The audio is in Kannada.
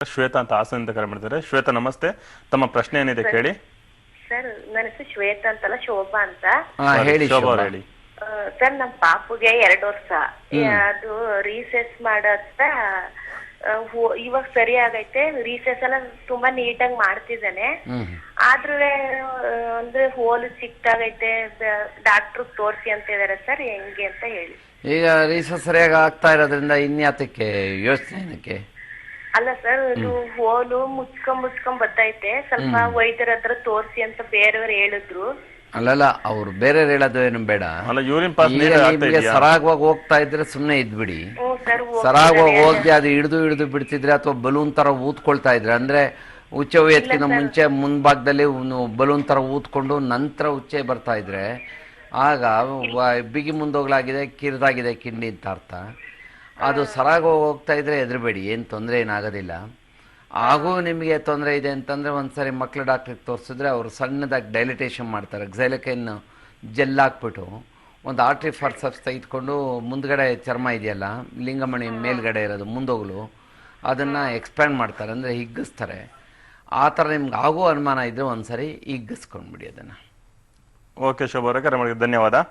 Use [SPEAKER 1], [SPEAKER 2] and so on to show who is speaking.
[SPEAKER 1] ಶ್ವೇತಾ ಅಂತ ಹಾಸನದಿಂದ ಕರೆ ಮಾಡಿದ್ದಾರೆ. ಶ್ವೇತಾ ನಮಸ್ತೆ, ತಮ್ಮ ಪ್ರಶ್ನೆ ಏನಿದೆ ಕೇಳಿ.
[SPEAKER 2] ಸರ್ ನನ್ನ ಹೆಸರು ಶ್ವೇತಾ ಅಂತಲ್ಲ, ಶೋಭಾ ಅಂತ.
[SPEAKER 3] ಹೇಳಿ
[SPEAKER 1] ಶೋಭಾ ಅವ್ರು ಹೇಳಿ.
[SPEAKER 2] ಸರ್ ನಮ್ಮ ಪಾಪುಗೆ 2 ವರ್ಷ, ಅದು ರೀಸೆಸ್ ಮಾಡತ್ತ ಇವಾಗ ಸರಿ ಆಗೈತೆ. ರೀಸೆಸ್ ಎಲ್ಲ ತುಂಬಾ ನೀಟಾಗಿ ಮಾಡ್ತಿದ್ದಾನೆ. ಆದ್ರೂ ಅಂದ್ರೆ ಹೋಲು ಚಿಕ್ಕದಾಗೈತೆ, ಡಾಕ್ಟರ್ ತೋರ್ಸಿ ಅಂತ ಇದಾರೆ ಸರ್, ಹೆಂಗೆ ಅಂತ ಹೇಳಿ.
[SPEAKER 3] ಈಗ ರೀಸಸ್ ಸರಿಯಾಗಿ ಆಗ್ತಾ ಇರೋದ್ರಿಂದ ಇನ್ಯಾತಕ್ಕೆ ಯೋಚನೆ ಏನಕ್ಕೆ?
[SPEAKER 2] ಅಲ್ಲ ಸರ್, ಇದು ಹೋಲು ಮುಚ್ಕೊಂಡ್ ಬರ್ತೈತೆ, ಸ್ವಲ್ಪ ವೈದ್ಯರ ಹತ್ರ ತೋರ್ಸಿ ಅಂತ ಬೇರೆಯವ್ರು ಹೇಳಿದ್ರು.
[SPEAKER 3] ಅಲ್ಲಲ್ಲ, ಅವ್ರು ಬೇರೆ ಹೇಳೋದು ಏನು ಬೇಡ.
[SPEAKER 1] ಯೂರಿನ್ ಪಾಸ್
[SPEAKER 3] ನಿಮ್ಗೆ ಸರಾಗವಾಗಿ ಹೋಗ್ತಾ ಇದ್ರೆ ಸುಮ್ನೆ ಇದ್ಬಿಡಿ. ಸರಾಗವಾಗಿ ಹೋಗಿ ಅದು ಹಿಡಿದು ಬಿಡ್ತಿದ್ರೆ ಅಥವಾ ಬಲೂನ್ ತರ ಊದ್ಕೊಳ್ತಾ ಇದ್ರೆ, ಅಂದ್ರೆ ಉಚ್ಚೆ ಒಯ್ಯೋದಕ್ಕಿಂತ ಮುಂಚೆ ಮುಂಭಾಗದಲ್ಲಿ ಬಲೂನ್ ತರ ಊದ್ಕೊಂಡು ನಂತರ ಉಚ್ಚೆ ಬರ್ತಾ ಇದ್ರೆ ಆಗ ಬಿಗಿ ಮುಂದೋಗ್ಲಾಗಿದೆ, ಕಿರಿದಾಗಿದೆ ಕಿಂಡಿ ಅಂತ ಅರ್ಥ. ಅದು ಸರಾಗ ಹೋಗ್ತಾ ಇದ್ರೆ ಹೆದರಬೇಡಿ, ಏನು ತೊಂದರೆ ಏನಾಗೋದಿಲ್ಲ. ಹಾಗೂ ನಿಮಗೆ ತೊಂದರೆ ಇದೆ ಅಂತಂದರೆ ಒಂದ್ಸರಿ ಮಕ್ಳು ಡಾಕ್ಟ್ರಿಗೆ ತೋರಿಸಿದ್ರೆ ಅವರು ಸಣ್ಣದಾಗಿ ಡೈಲಿಟೇಷನ್ ಮಾಡ್ತಾರೆ. ಕ್ಸೈಲಕೈನ್ ಜೆಲ್ ಹಾಕ್ಬಿಟ್ಟು ಒಂದು ಆರ್ಟ್ರಿ ಫಾರ್ಸಪ್ಸ್ ತೆಗೆದುಕೊಂಡು ಮುಂದ್ಗಡೆ ಚರ್ಮ ಇದೆಯಲ್ಲ, ಲಿಂಗಮಣಿ ಮೇಲ್ಗಡೆ ಇರೋದು ಮುಂದೋಗಲು, ಅದನ್ನು ಎಕ್ಸ್ಪ್ಯಾಂಡ್ ಮಾಡ್ತಾರೆ, ಅಂದರೆ ಹಿಗ್ಗಿಸ್ತಾರೆ. ಆ ಥರ ನಿಮ್ಗೆ ಆಗೋ ಅನುಮಾನ ಇದ್ದರೆ ಒಂದ್ಸರಿ ಹಿಗ್ಗಿಸ್ಕೊಂಡ್ಬಿಡಿ ಅದನ್ನು.
[SPEAKER 1] ಓಕೆ ಶೋಭಾ ಅವರೇ, ಕರೆ ಮಾಡಿದ್ದಕ್ಕೆ ಧನ್ಯವಾದ.